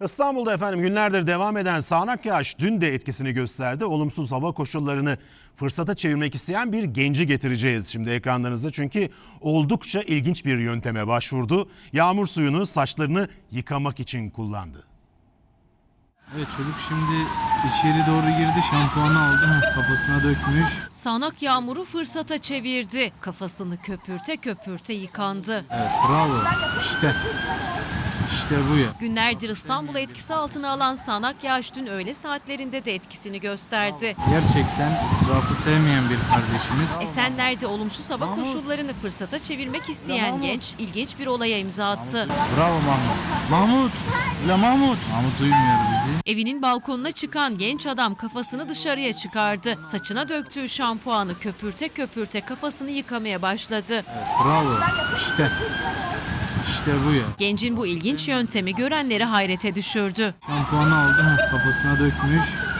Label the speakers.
Speaker 1: İstanbul'da efendim günlerdir devam eden sağanak yağış dün de etkisini gösterdi. Olumsuz hava koşullarını fırsata çevirmek isteyen bir genci getireceğiz şimdi ekranlarınıza. Çünkü oldukça ilginç bir yönteme başvurdu. Yağmur suyunu saçlarını yıkamak için kullandı.
Speaker 2: Evet, çocuk şimdi içeri doğru girdi, şampuanı aldı, kafasına dökmüş.
Speaker 3: Sağanak yağmuru fırsata çevirdi. Kafasını köpürte köpürte yıkandı.
Speaker 2: Evet, bravo. İşte bu ya.
Speaker 3: Günlerdir İstanbul'u etkisi altına alan sağanak yağış dün öğle saatlerinde de etkisini gösterdi.
Speaker 2: Gerçekten israfı sevmeyen bir kardeşimiz.
Speaker 3: Esenler'de olumsuz hava koşullarını fırsata çevirmek isteyen genç ilginç bir olaya imza attı.
Speaker 2: Bravo Mahmut. Mahmut. Mahmut duymuyor bizi.
Speaker 3: Evinin balkonuna çıkan genç adam kafasını dışarıya çıkardı. Saçına döktüğü şampuanı köpürte köpürte kafasını yıkamaya başladı.
Speaker 2: Evet, bravo. İşte bu ya.
Speaker 3: Gencin bu ilginç yöntemi görenleri hayrete düşürdü.
Speaker 2: Şampuanı aldı, kafasına dökmüş.